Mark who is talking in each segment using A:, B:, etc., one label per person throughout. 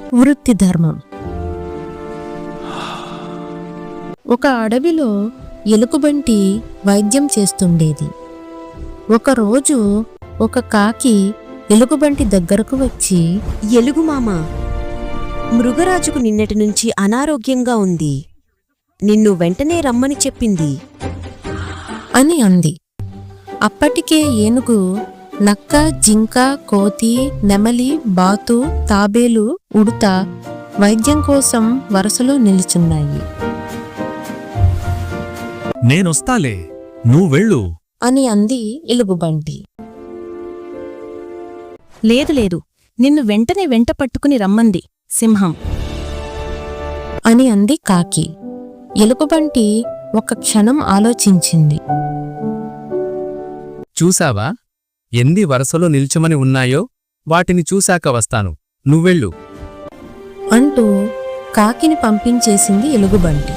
A: వృత్తి ధర్మం. ఒక అడవిలో ఎలుగుబంటి వైద్యం చేస్తుండేది. ఒకరోజు ఒక కాకి ఎలుగుబంటి దగ్గరకు వచ్చి,
B: ఎలుగుమామ, మృగరాజుకు నిన్నటి నుంచి అనారోగ్యంగా ఉంది, నిన్ను వెంటనే రమ్మని చెప్పింది
A: అని అంది. అప్పటికే ఏనుగు నక్క, జింక, కోతి, నెమలి, బాతు, తాబేలు, ఉడుత వైద్యం కోసం వరుసలో నిలుచున్నాయి.
C: నేనొస్తాలే, నువ్వెళ్ళు
A: అని అంది ఎలుగుబంటి.
D: లేదు లేదు, నిన్ను వెంటనే వెంట పట్టుకుని రమ్మంది సింహం
A: అని అంది కాకి. ఎలుగుబంటి ఒక క్షణం ఆలోచించింది.
E: చూసావా, ఎన్ని వరసలో నిల్చుమని ఉన్నాయో వాటిని చూశాక వస్తాను, నువ్వెళ్ళు
A: అంటూ కాకిని పంపించేసింది ఎలుగుబంటి.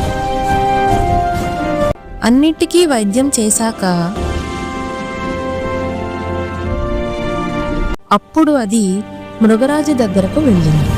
A: అన్నిటికీ వైద్యం చేశాక అప్పుడు అది మృగరాజు దగ్గరకు వెళ్ళింది.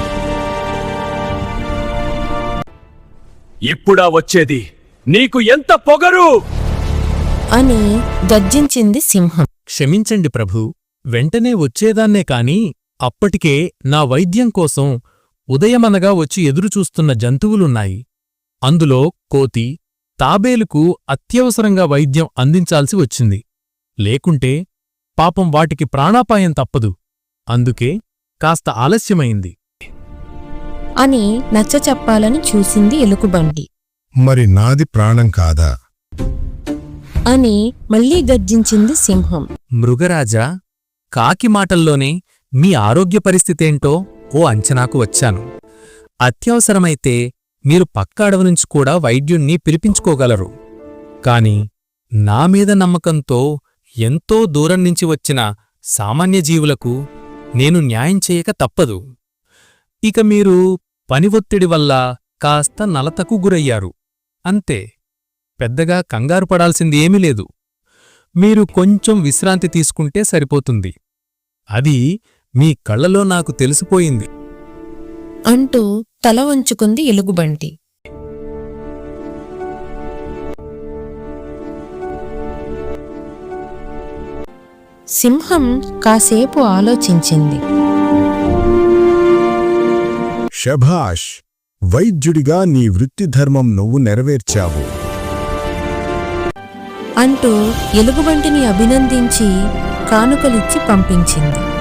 F: ఇప్పుడా వచ్చేది? నీకు ఎంత పొగరు!
A: అని గర్జించింది సింహం.
C: క్షమించండి ప్రభూ, వెంటనే వచ్చేదాన్నే కాని అప్పటికే నా వైద్యం కోసం ఉదయమనగా వచ్చి ఎదురుచూస్తున్న జంతువులున్నాయి. అందులో కోతి, తాబేలుకు అత్యవసరంగా వైద్యం అందించాల్సి వచ్చింది. లేకుంటే పాపం వాటికి ప్రాణాపాయం తప్పదు. అందుకే కాస్త ఆలస్యమైంది
A: అని నచ్చచెప్పాలని చూసింది ఎలుగుబంటి.
G: మరి నాది ప్రాణం కాదా
A: అని మళ్లీ గర్జించింది సింహం.
E: మృగరాజా, కాకి మాటల్లోనే మీ ఆరోగ్య పరిస్థితేంటో ఓ అంచనాకు వచ్చాను. అత్యవసరమైతే మీరు పక్క అడవి నుంచి కూడా వైద్యుణ్ణి పిలిపించుకోగలరు. కాని నా మీద నమ్మకంతో ఎంతో దూరం నుంచి వచ్చిన సామాన్య జీవులకు నేను న్యాయం చేయక తప్పదు. ఇక మీరు పని ఒత్తిడి వల్ల కాస్త నలతకు గురయ్యారు, అంతే. పెద్దగా కంగారు పడాల్సింది ఏమీ లేదు. మీరు కొంచెం విశ్రాంతి తీసుకుంటే సరిపోతుంది. అది మీ కళ్ళలో నాకు తెలిసిపోయింది
A: అంటూ తల వంచుకుంది ఎలుగుబంటి. సింహం కాసేపు ఆలోచించింది.
G: శభాష్, వైద్యుడిగా నీ వృత్తిధర్మం నువ్వు నెరవేర్చావు
A: అంటూ ఎలుగుబంటిని అభినందించి కానుకలిచ్చి పంపించింది.